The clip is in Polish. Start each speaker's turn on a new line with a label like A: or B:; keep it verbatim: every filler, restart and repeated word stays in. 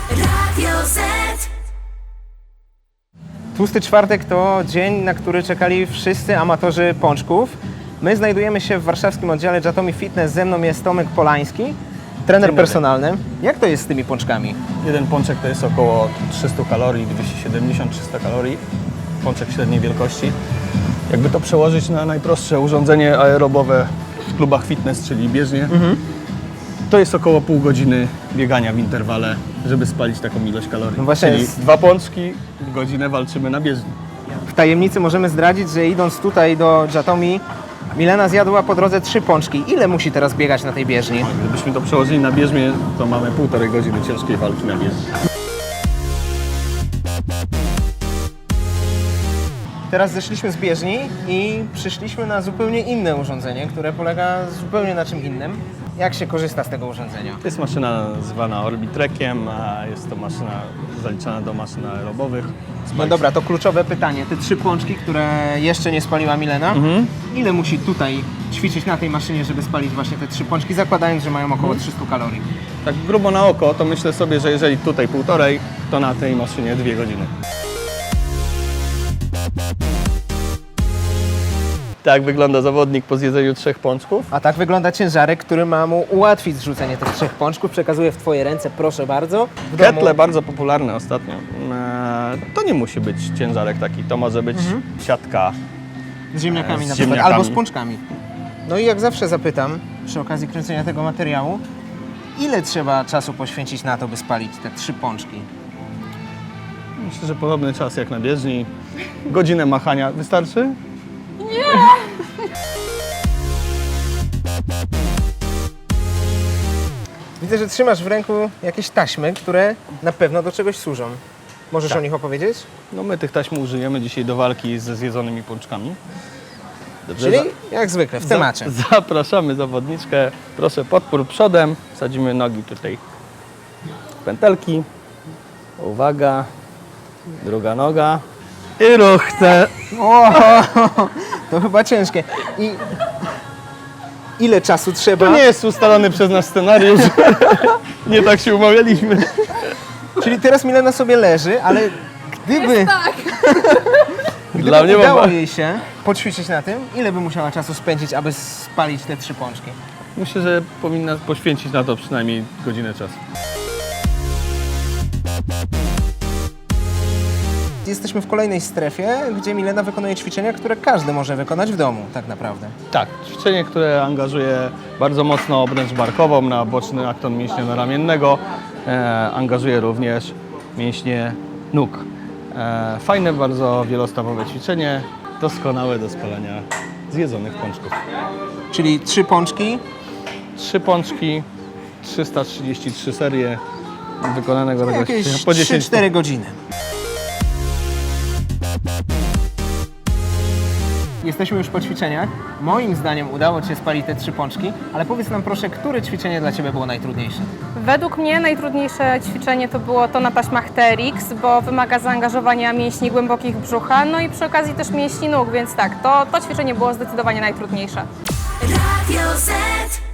A: Radio Z.
B: Tłusty czwartek to dzień, na który czekali wszyscy amatorzy pączków. My znajdujemy się w warszawskim oddziale Jatomi Fitness. Ze mną jest Tomek Polański, trener personalny. Jak to jest z tymi pączkami?
C: Jeden pączek to jest około trzysta kalorii, dwieście siedemdziesiąt do trzystu kalorii. Pączek średniej wielkości. Jakby to przełożyć na najprostsze urządzenie aerobowe w klubach fitness, czyli bieżnie, mhm. to jest około pół godziny biegania w interwale, żeby spalić taką ilość kalorii.
B: No właśnie
C: czyli
B: jest...
C: dwa pączki, godzinę walczymy na bieżni.
B: W tajemnicy możemy zdradzić, że idąc tutaj do Jatomi, Milena zjadła po drodze trzy pączki. Ile musi teraz biegać na tej bieżni?
C: Gdybyśmy to przełożyli na bieżnię, to mamy półtorej godziny ciężkiej walki na bieżni.
B: Teraz zeszliśmy z bieżni i przyszliśmy na zupełnie inne urządzenie, które polega zupełnie na czym innym. Jak się korzysta z tego urządzenia?
C: To jest maszyna zwana Orbitrekiem, a jest to maszyna zaliczana do maszyn aerobowych.
B: No dobra, to kluczowe pytanie. Te trzy pączki, które jeszcze nie spaliła Milena,
C: Mhm.
B: ile musi tutaj ćwiczyć na tej maszynie, żeby spalić właśnie te trzy pączki, zakładając, że mają około trzysta kalorii?
C: Tak grubo na oko, to myślę sobie, że jeżeli tutaj półtorej, to na tej maszynie dwie godziny. Tak wygląda zawodnik po zjedzeniu trzech pączków.
B: A tak wygląda ciężarek, który ma mu ułatwić zrzucenie tych trzech pączków. Przekazuję w Twoje ręce, proszę bardzo. W domu...
C: Ketle bardzo popularne ostatnio. Eee, to nie musi być ciężarek taki, to może być mhm. siatka.
B: Z ziemniakami
C: z
B: na przykład,
C: ziemniakami.
B: albo z pączkami. No i jak zawsze zapytam, przy okazji kręcenia tego materiału, ile trzeba czasu poświęcić na to, by spalić te trzy pączki?
C: Myślę, że podobny czas jak na bieżni. Godzinę machania wystarczy?
B: Widzę, że trzymasz w ręku jakieś taśmy, które na pewno do czegoś służą. Możesz
C: Tak.
B: o nich opowiedzieć?
C: No my tych taśm użyjemy dzisiaj do walki ze zjedzonymi pączkami. Dobrze,
B: Czyli
C: za-
B: jak zwykle, w
C: za-
B: temacie.
C: Zapraszamy zawodniczkę. Proszę, podpór przodem. Wsadzimy nogi tutaj w pętelki. Uwaga. Druga noga. I ruchce.
B: O, to chyba ciężkie. I ile czasu trzeba?
C: To nie jest ustalony przez nas scenariusz. Nie tak się umawialiśmy.
B: Czyli teraz Milena sobie leży, ale gdyby, gdyby
C: Dla mnie
B: udało
C: mam...
B: jej się poćwiczyć na tym, ile by musiała czasu spędzić, aby spalić te trzy pączki?
C: Myślę, że powinna poświęcić na to przynajmniej godzinę czasu.
B: Jesteśmy w kolejnej strefie, gdzie Milena wykonuje ćwiczenia, które każdy może wykonać w domu, tak naprawdę.
C: Tak, ćwiczenie, które angażuje bardzo mocno obręcz barkową na boczny akton mięśnia ramiennego, e, angażuje również mięśnie nóg. E, fajne, bardzo wielostawowe ćwiczenie, doskonałe do spalania zjedzonych pączków.
B: Czyli trzy pączki,
C: Trzy pączki, trzysta trzydzieści trzy serie wykonanego tego
B: jakieś
C: ćwiczenia po
B: trzy
C: dziesięć
B: cztery godziny. Jesteśmy już po ćwiczeniach. Moim zdaniem udało Ci się spalić te trzy pączki, ale powiedz nam proszę, które ćwiczenie dla Ciebie było najtrudniejsze?
D: Według mnie najtrudniejsze ćwiczenie to było to na taśmach T R X, bo wymaga zaangażowania mięśni głębokich brzucha, no i przy okazji też mięśni nóg, więc tak, to, to ćwiczenie było zdecydowanie najtrudniejsze.
A: Radio Z.